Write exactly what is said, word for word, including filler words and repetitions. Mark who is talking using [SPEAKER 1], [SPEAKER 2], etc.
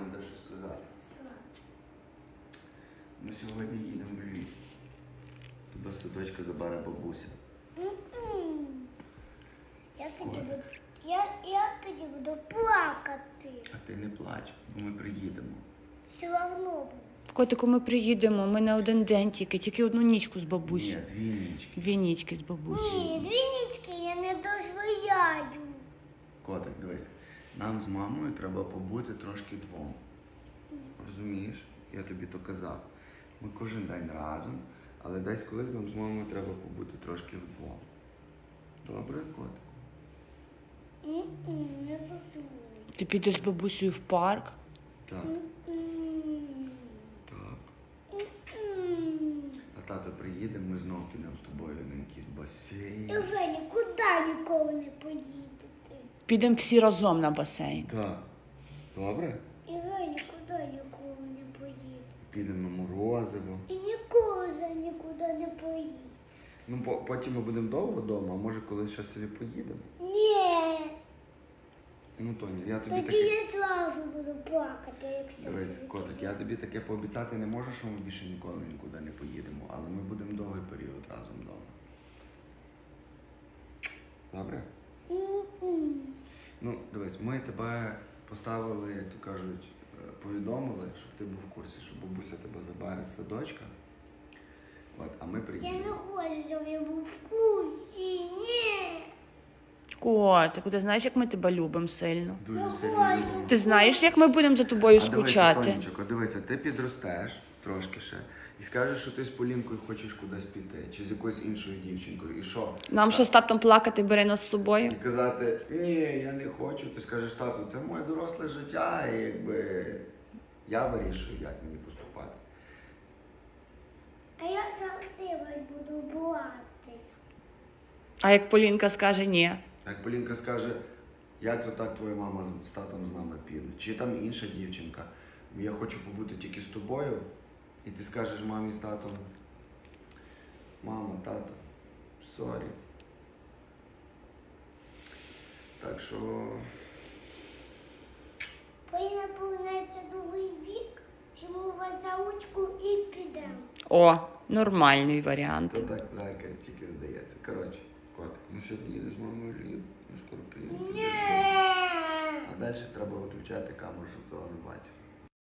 [SPEAKER 1] те, що сказати. Ми сьогодні їдемо в Львів. Тебе садочка забере бабуся.
[SPEAKER 2] Я тоді буду, я, я тоді буду плакати.
[SPEAKER 1] А ти не плач, бо ми приїдемо.
[SPEAKER 2] Все одно буду.
[SPEAKER 3] Котику, ми приїдемо, ми на один день тільки, тільки одну нічку з
[SPEAKER 1] Ні,
[SPEAKER 3] бабусею.
[SPEAKER 1] дві нічки.
[SPEAKER 3] Дві нічки з бабусею.
[SPEAKER 2] Ні, дві нічки я не дозволяю.
[SPEAKER 1] Котик, дивись, нам з мамою треба побути трошки двом. Розумієш? Я тобі то казав. Ми кожен день разом, але десь колись нам з мамою треба побути трошки вдвом. Добре, котик?
[SPEAKER 2] М-м, не дозволю.
[SPEAKER 3] Ти підеш з бабусею в парк?
[SPEAKER 1] Так.
[SPEAKER 2] М-м.
[SPEAKER 1] Так.
[SPEAKER 2] М-м.
[SPEAKER 1] А тато приїде, ми знов підемо з тобою на якийсь басейн.
[SPEAKER 2] Євгеній, куди ніколи не поїдете?
[SPEAKER 3] Підемо всі разом на басейн.
[SPEAKER 1] Так. Добре?
[SPEAKER 2] Євгеній, куди ніколи не поїдете?
[SPEAKER 1] Підемо на морозиво.
[SPEAKER 2] І ніколи вже нікуди не поїдете.
[SPEAKER 1] Ну, по- потім ми будемо довго вдома, а може колись ще собі поїдемо.
[SPEAKER 2] Ні,
[SPEAKER 1] Ну, Тоні, я тобі
[SPEAKER 2] тоді
[SPEAKER 1] таке...
[SPEAKER 2] я зразу буду плакати, якщо
[SPEAKER 1] Дивись,
[SPEAKER 2] ви
[SPEAKER 1] котик, я тобі таке пообіцяти не можу, що ми більше ніколи нікуди не поїдемо, але ми будемо довгий період разом вдома. Добре?
[SPEAKER 2] М-м.
[SPEAKER 1] Ну, дивись, ми тебе поставили, як то кажуть, е, повідомили, щоб ти був в курсі, що бабуся тебе забере з садочка. От, а ми
[SPEAKER 2] Я
[SPEAKER 1] приїдемо.
[SPEAKER 2] не хочу, щоб я був в курсі, ні.
[SPEAKER 3] Котику, ти знаєш, як ми тебе любимо сильно?
[SPEAKER 1] Дуже
[SPEAKER 2] Я
[SPEAKER 1] сильно
[SPEAKER 2] хочу.
[SPEAKER 1] любимо.
[SPEAKER 3] Ти знаєш, як ми будемо за тобою
[SPEAKER 1] А дивися,
[SPEAKER 3] скучати?
[SPEAKER 1] Тонечко, дивися, ти підростеш трошки ще і скажеш, що ти з Полінкою хочеш кудись піти, чи з якоюсь іншою дівчинкою. І що?
[SPEAKER 3] Нам що з татом плакати, бери нас з собою?
[SPEAKER 1] І казати, ні, я не хочу. Ти скажеш, тату, це моє доросле життя, і якби я вирішую, як мені поступати.
[SPEAKER 2] А я завжди вас буду брати.
[SPEAKER 3] А як Полінка скаже ні?
[SPEAKER 1] Як Полінка скаже, як то так твоя мама з татом з нами підуть, чи там інша дівчинка, я хочу побути тільки з тобою, і ти скажеш мамі з татом, мама, тато, сорі. Так що,
[SPEAKER 2] Поліна повернеться новий вік, візьму вас за ручку і підемо.
[SPEAKER 3] О, нормальний варіант.
[SPEAKER 1] то так зайка тільки здається. Коротше, котик, ми сьогодні їдемо з мамою в Львів, ми скоро приїдемо.
[SPEAKER 2] Ні.
[SPEAKER 1] А далі треба виключати камеру, щоб того не бачив.